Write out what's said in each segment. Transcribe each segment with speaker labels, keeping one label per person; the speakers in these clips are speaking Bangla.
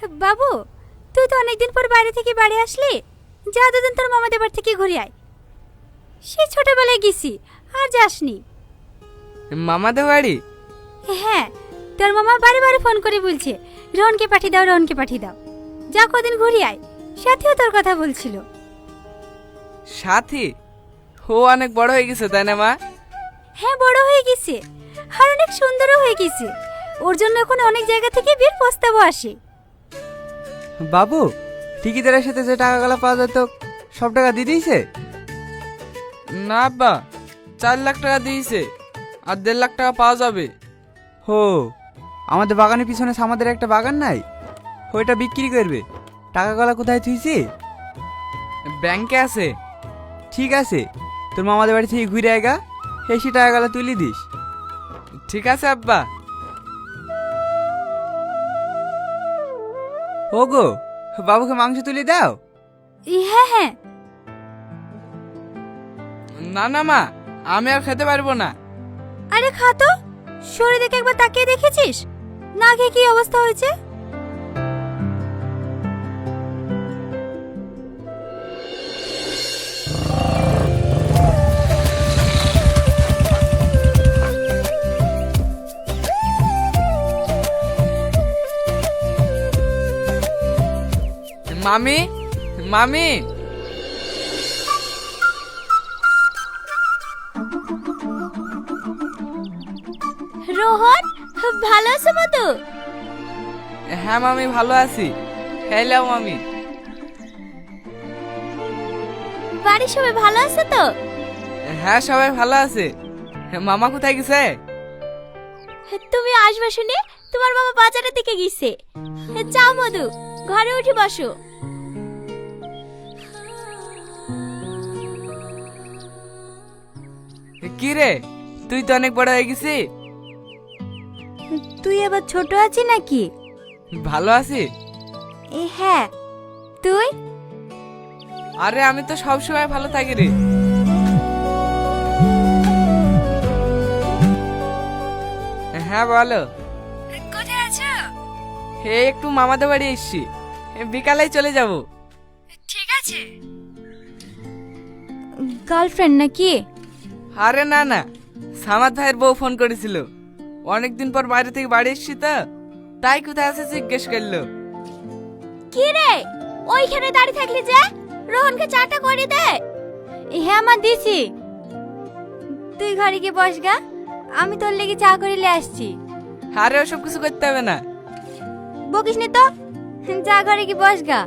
Speaker 1: বাবু, তুই তো অনেকদিন পর বাইরে থেকে বাড়ি আসলি। যা দুদিন তোর মামাদের বাড়ি থেকে ঘুরে আয়। সেই ছোটবেলায় গেছি, আর যাসনি।
Speaker 2: মামাদের বাড়ি?
Speaker 1: হ্যাঁ, তোর মামা বারে বারে ফোন করে বলছে রোহনকে পাঠিয়ে দাও, রোহনকে পাঠিয়ে দাও। যা কদিন ঘুরে আয়। সাথীও তোর কথা বলছিল।
Speaker 2: সাথী? ও অনেক বড় হয়ে গেছে তাই না মা?
Speaker 1: হ্যাঁ, বড় হয়ে গেছে আর অনেক সুন্দরও হয়ে গেছে। ওর জন্য এখন অনেক জায়গা থেকে বিয়ের প্রস্তাবও আসে।
Speaker 3: বাবু, ঠিকিদারের সাথে যে টাকাগুলো পাওয়া যেত সব টাকা দিয়ে দিয়েছে?
Speaker 2: না আব্বা, 4 লাখ টাকা দিয়েছে, আর 1.5 লাখ টাকা পাওয়া যাবে।
Speaker 3: হো, আমাদের বাগানের পিছনে আমাদের একটা বাগান নাই, ওইটা বিক্রি করবে। টাকাগুলো কোথায় থুইছি?
Speaker 2: ব্যাংকে আছে।
Speaker 3: ঠিক আছে, তোর মামাদের বাড়ি থেকে ঘুরে আয়গা, এসে টাকাগুলো তুলে দিস।
Speaker 2: ঠিক আছে আব্বা।
Speaker 3: ওগো, বাবুকে মাংস তুলে দাও।
Speaker 1: হ্যাঁ হ্যাঁ।
Speaker 2: না না মা, আমি আর খেতে পারবো না।
Speaker 1: আরে খা তো, শরীর দেখে একবার তাকিয়ে দেখেছিস না খেয়ে কি অবস্থা হয়েছে?
Speaker 2: মামি, মামি।
Speaker 1: রোহন, ভালো আছো মতো?
Speaker 2: হ্যাঁ মামি, ভালো আছি। হ্যালো মামি।
Speaker 1: বাড়ির সবাই ভালো আছে তো?
Speaker 2: হ্যাঁ, সবাই ভালো আছে। মামা কোথায় গেছে?
Speaker 1: তুমি আসবে শুনে তোমার বাবা বাজারের দিকে গেছে। যাও মধু, ঘরে উঠে বসো।
Speaker 2: কি রে, তুই তো অনেক বড় হয়ে গেছি।
Speaker 1: তুই আবার ছোট আছিস নাকি?
Speaker 2: ভালো আছি।
Speaker 1: হ্যাঁ, তুই?
Speaker 2: আরে আমি তো সবসময় ভালো থাকি রে। হ্যাঁ বলো।
Speaker 1: কোথায় আছো?
Speaker 2: হে, একটু মামাদের বাড়ি এসছি, বিকালেই চলে যাব।
Speaker 1: ঠিক আছে। গার্লফ্রেন্ড নাকি?
Speaker 2: আরে না না, সামাদ ভাইয়ের বউ ফোন করেছিল। অনেকদিন পর বাইরে থেকে বাড়ি এসছি তো, তাই কোথায় আছে জিজ্ঞেস করলো।
Speaker 1: কি রে, ওইখানে দাঁড়িয়ে থাকলি যে? রোহনকে চাটা করে দে। হ্যাঁ মা, দিছি। তুই ঘরে গিয়ে বস গা, আমি তোর লেগে চা করিলে আসছি।
Speaker 2: আরে ওসব কিছু করতে হবে না।
Speaker 1: বকিস নি তো, যা ঘরে গিয়ে বস গা।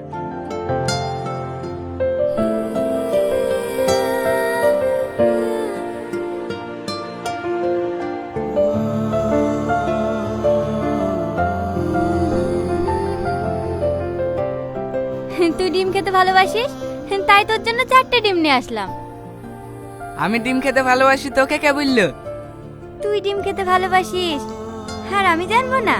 Speaker 1: তুই ডিম খেতে ভালোবাসিস, তাই তোর জন্য 4টে ডিম নিয়ে আসলাম।
Speaker 2: আমি ডিম খেতে ভালোবাসি, তোকে কে বললো?
Speaker 1: তুই ডিম খেতে ভালোবাসিস আর আমি জানবো না?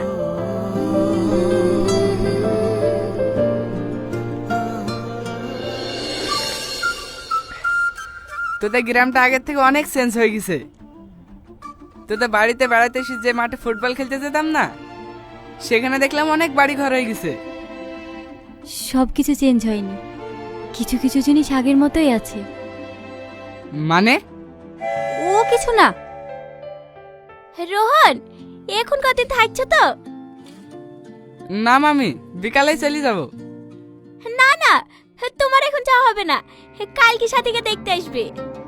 Speaker 2: তোদের গ্রামটা আগের থেকে অনেক চেঞ্জ হয়ে গেছে। তোদের বাড়িতে বেড়াতে এসে যে মাঠে ফুটবল খেলতে যেতাম না, সেখানে দেখলাম অনেক বাড়ি ঘর হয়ে গেছে।
Speaker 1: সব কিছু চেঞ্জ হয়নি, কিছু কিছু জিনিস আগের মতোই আছে।
Speaker 2: মানে?
Speaker 1: ও কিছু না। রোহন, এখন কতদিন থাকছো তো?
Speaker 2: না মামি, বিকালেই চলে যাব।
Speaker 1: না না, তোমার এখন যাওয়া হবে না, কালকে সাথীকে দেখতে আসবে।